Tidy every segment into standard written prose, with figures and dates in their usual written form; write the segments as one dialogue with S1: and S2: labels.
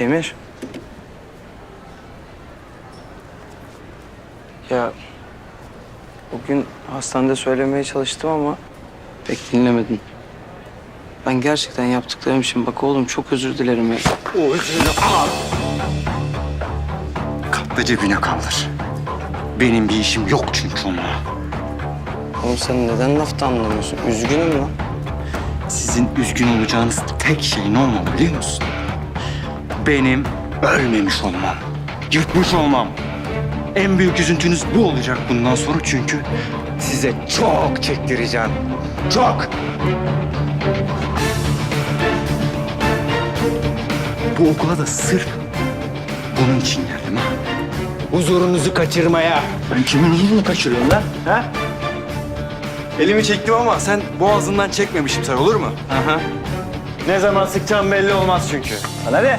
S1: Emir. Ya bugün hastanede söylemeye çalıştım ama pek dinlemedin. Ben gerçekten yaptıklarım için bak oğlum çok özür dilerim ya.
S2: O özrünü al. Katla cebine kaldır. Benim bir işim yok çünkü onunla.
S1: Oğlum sen neden lafta anlamıyorsun? Üzgünüm lan.
S2: Sizin üzgün olacağınız tek şey ne olmalı biliyor musun? Benim ölmemiş olmam. Yırtmış olmam. En büyük üzüntünüz bu olacak bundan sonra çünkü size çok çektireceğim. Çok. Bu okula da sırf bunun için geldim ha. Huzurunuzu kaçırmaya.
S1: Ben kimin huzurunu kaçırıyorum lan? Ha?
S3: Elimi çektim ama sen boğazından çekmemişim sen, olur mu?
S1: Aha.
S3: Ne zaman sıkacağım belli olmaz çünkü. Hadi.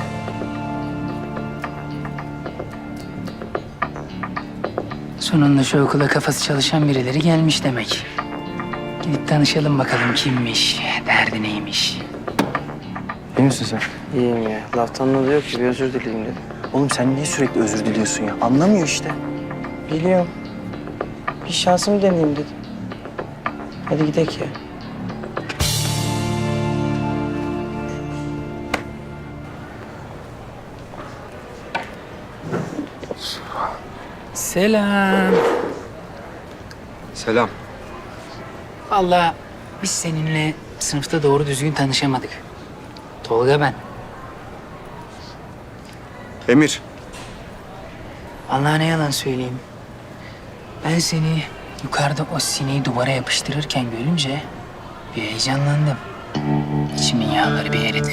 S4: Sonunda şu okula kafası çalışan birileri gelmiş demek. Gidip tanışalım bakalım kimmiş, derdi neymiş.
S1: İyi misin sen? İyiyim ya. Laftan ne diyor ki bir özür dileyim dedim.
S5: Oğlum sen niye sürekli özür diliyorsun ya? Anlamıyor işte.
S1: Biliyorum. Bir şansımı deneyeyim dedim. Hadi gidelim ya.
S4: Selam.
S3: Selam.
S4: Vallahi biz seninle sınıfta doğru düzgün tanışamadık. Tolga ben.
S3: Emir.
S4: Vallahi ne yalan söyleyeyim. Ben seni yukarıda o sineği duvara yapıştırırken görünce bir heyecanlandım. İçimin yağları bir eridi.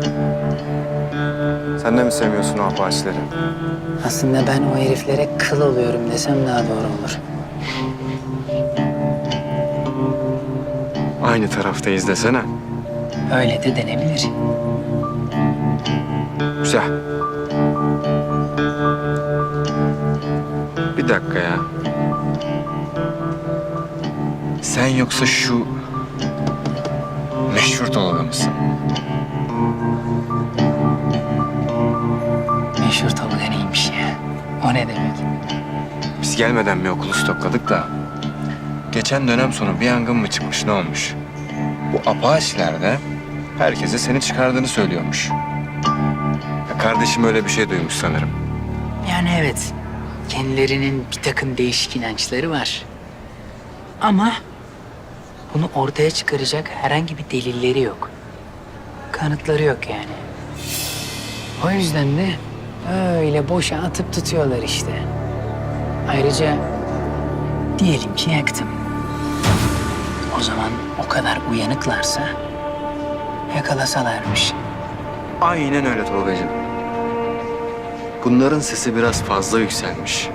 S3: Sen de mi sevmiyorsun o apaçileri?
S4: Aslında ben o heriflere kıl oluyorum desem daha doğru olur.
S3: Aynı taraftayız desene.
S4: Öyle de denebilir.
S3: Güzel. Bir dakika ya. Sen yoksa şu meşhur Tolga mısın?
S4: Meşhur Tolga neymiş ya? O ne demek?
S3: Biz gelmeden bir okulu stokladık da geçen dönem sonu bir yangın mı çıkmış, ne olmuş? Bu apaçiler de herkese seni çıkardığını söylüyormuş. Ya kardeşim öyle bir şey duymuş sanırım.
S4: Yani evet, kendilerinin bir takım değişik inançları var. Ama bunu ortaya çıkaracak herhangi bir delilleri yok. Kanıtları yok yani. O yüzden de öyle boşa atıp tutuyorlar işte. Ayrıca diyelim ki yaktım. O zaman o kadar uyanıklarsa yakalasalarmış.
S3: Aynen öyle Tolgacığım. Bunların sesi biraz fazla yükselmiş.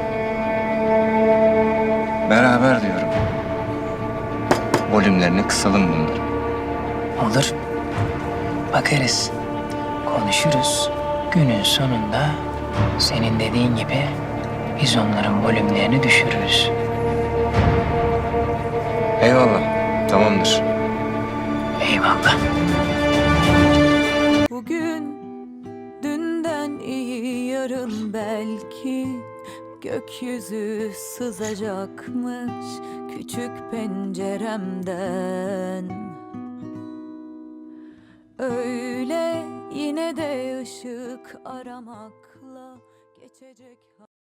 S3: Beraber diyorum. Volümlerini kısalım bunların.
S4: Olur. Bakarız. Konuşuruz. Günün sonunda senin dediğin gibi biz onların volümlerini düşürürüz.
S3: Eyvallah. Tamamdır.
S4: Eyvallah.
S6: Bugün dünden iyi yarın belki gökyüzü sızacakmış küçük penceremden. Öyle yine de ışık aramakla geçecek.